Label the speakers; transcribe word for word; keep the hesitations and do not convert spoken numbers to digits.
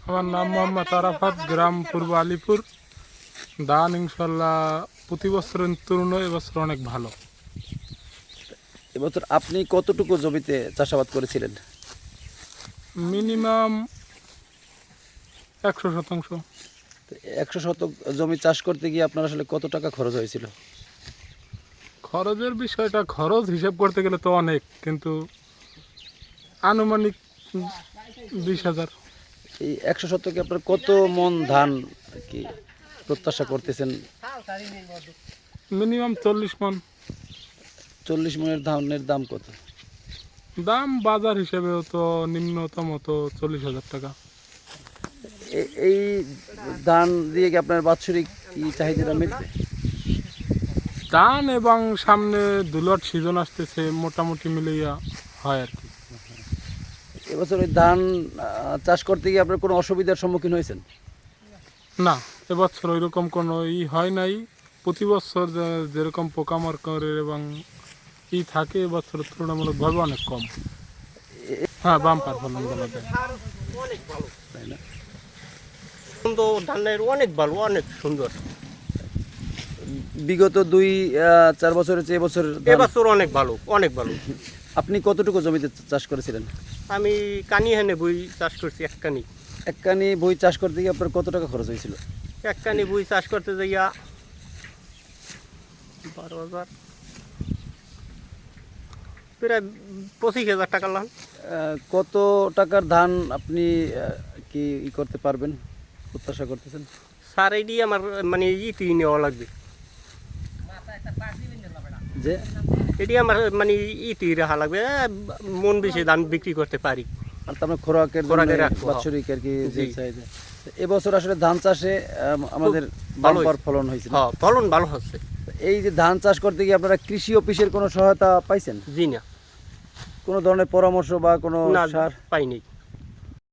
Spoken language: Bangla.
Speaker 1: আমার নাম মোহাম্মদ আরাফাত, গ্রাম পূর্ব আলিপুর। ধান ইনশাল্লাহ প্রতি বছরের তুলনায় এবছর অনেক ভালো।
Speaker 2: এবছর আপনি কতটুকু জমিতে চাষাবাদ করেছিলেন?
Speaker 1: মিনিমাম একশো শতাংশ।
Speaker 2: একশো শতক জমি চাষ করতে গিয়ে আপনার আসলে কত টাকা খরচ হয়েছিল?
Speaker 1: খরচের বিষয়টা, খরচ হিসাব করতে গেলে তো অনেক, কিন্তু আনুমানিক বিশ হাজার।
Speaker 2: এই একশো শতকে আপনার কত মন ধান কি প্রত্যাশা করতেছেন?
Speaker 1: মিনিমাম চল্লিশ মন।
Speaker 2: চল্লিশ মনের ধানের দাম কত?
Speaker 1: দাম বাজার হিসেবেও তো নিম্নতম তো চল্লিশ হাজার টাকা।
Speaker 2: এ- এই ধান দিয়ে কি আপনার বাৎসরিক কি চাহিদাটা মিটবে?
Speaker 1: ধান এবং সামনে দুলট সিজন আসতেছে, মোটামুটি মিলিয়া হয় আর কি।
Speaker 2: এবছর ওই ধান আহ, চাষ করতে গিয়ে আপনার কোনো অসুবিধার সম্মুখীন হয়েছেন?
Speaker 1: না, এবছর ওইরকম কোনো ই হয় নাই। প্রতি বছর যে- যেরকম পোকামাকড়ের এবং ই থাকে, এবছর তুলনামূলকভাবে অনেক কম। হ্যাঁ, বাম্পার ফলন বলা যায়।
Speaker 2: তাই না?
Speaker 3: সুন্দর ধানের অনেক ভালো, অনেক সুন্দর।
Speaker 2: বিগত দুই আহ, চার বছরের চেয়ে এবছর ধান-
Speaker 3: এবছর অনেক ভালো, অনেক ভালো।
Speaker 2: আপনি কতটুকু জমিতে চাষ করেছিলেন?
Speaker 3: আমি কানি হেনে বই চাষ করছি, এক কানি
Speaker 2: এক কানি বই চাষ করতে গিয়ে আপনার কত টাকা খরচ হয়েছিল?
Speaker 3: এক কানি বই চাষ করতে যাইয়া বারো হাজার প্রায় পঁচিশ হাজার টাকা লান।
Speaker 2: আহ, কত টাকার ধান আপনি আহ, কি ই করতে পারবেন প্রত্যাশা করতেছেন?
Speaker 3: সার এটি আমার মানে ইটি নেওয়া লাগবে,
Speaker 2: যে
Speaker 3: এটি আমার মানে ইটি রাখা লাগবে। এ, মন বেশি ধান বিক্রি করতে পারি।
Speaker 2: আর তার মানে খোরাকের জন্য
Speaker 3: খোরাকের রাখবো, হ্যাঁ।
Speaker 2: বাৎসরিক আর কি যে
Speaker 3: জি।
Speaker 2: চাহিদা। এবছর আসলে ধান চাষে আম, আমাদের
Speaker 3: ভালো
Speaker 2: বাম্পার
Speaker 3: হয়েছে।
Speaker 2: ফলন হয়েছিল।
Speaker 3: হ্যাঁ, ফলন ভালো হচ্ছে।
Speaker 2: এই যে ধান চাষ করতে গিয়ে আপনারা কৃষি অফিসের কোনো সহায়তা পাইছেন?
Speaker 3: জি না,
Speaker 2: কোনো ধরনের পরামর্শ বা কোনো
Speaker 3: না
Speaker 2: সার?
Speaker 3: পাইনি।